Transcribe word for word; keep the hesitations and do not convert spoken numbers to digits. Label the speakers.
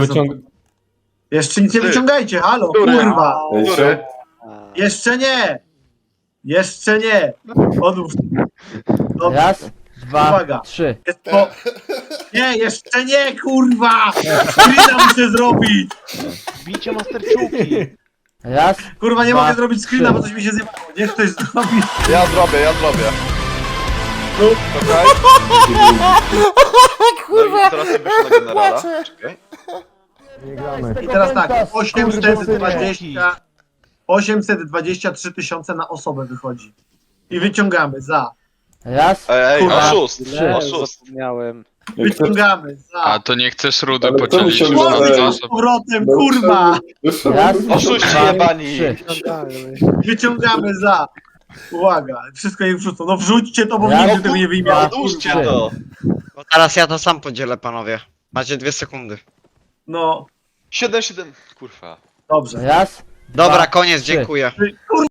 Speaker 1: są.
Speaker 2: wyciąg...
Speaker 1: Jeszcze nic nie
Speaker 3: Ty.
Speaker 1: wyciągajcie, halo,
Speaker 3: Który?
Speaker 1: kurwa.
Speaker 3: Który?
Speaker 1: Jeszcze nie. Jeszcze nie. Odłóż. Dobrze.
Speaker 4: Raz, dwa,
Speaker 1: Uwaga.
Speaker 4: trzy.
Speaker 1: Jest po... Nie, jeszcze nie, kurwa! Screena muszę zrobić!
Speaker 5: Bicie masterczuki.
Speaker 4: Raz,
Speaker 1: Kurwa, nie
Speaker 4: Dwa,
Speaker 1: mogę zrobić screena,
Speaker 4: trzy.
Speaker 1: bo coś mi się zjebało. Niech ktoś zrobi.
Speaker 3: Ja zrobię, ja zrobię.
Speaker 1: No.
Speaker 3: Czekaj. Kurwa. No i teraz sobie na generala. Czekaj.
Speaker 1: I teraz tak, osiemset dwadzieścia... osiemset dwadzieścia trzy tysiące na osobę wychodzi. I wyciągamy za.
Speaker 4: raz,
Speaker 3: Ej, ej,
Speaker 1: Kurwa.
Speaker 3: oszust,
Speaker 4: Trzy.
Speaker 3: oszust.
Speaker 5: Zapomniałem.
Speaker 1: Wyciągamy
Speaker 6: A
Speaker 1: za.
Speaker 6: to nie chcesz rudy
Speaker 7: Ale kto
Speaker 6: podzielić
Speaker 7: musiał
Speaker 6: na
Speaker 7: zabrać?
Speaker 6: dwie
Speaker 1: Chłopcy z
Speaker 6: osoby?
Speaker 1: powrotem, kurwa!
Speaker 4: raz,
Speaker 3: Oszuści
Speaker 4: dwa,
Speaker 3: jebani.
Speaker 4: trzy.
Speaker 1: Wyciągamy za. Uwaga, wszystko je wrzucą. No wrzućcie to, bo
Speaker 4: Raz,
Speaker 1: nigdy tego nie wyjmie.
Speaker 4: dwa,
Speaker 3: Odłóżcie
Speaker 4: trzy.
Speaker 3: to.
Speaker 8: Bo teraz ja to sam podzielę, panowie. Macie dwie sekundy.
Speaker 1: No,
Speaker 3: siedem siedem. Kurwa.
Speaker 1: dobrze.
Speaker 4: Raz,
Speaker 8: Dobra,
Speaker 4: Dwa,
Speaker 8: koniec,
Speaker 4: trzy.
Speaker 8: dziękuję.
Speaker 1: Kurwa!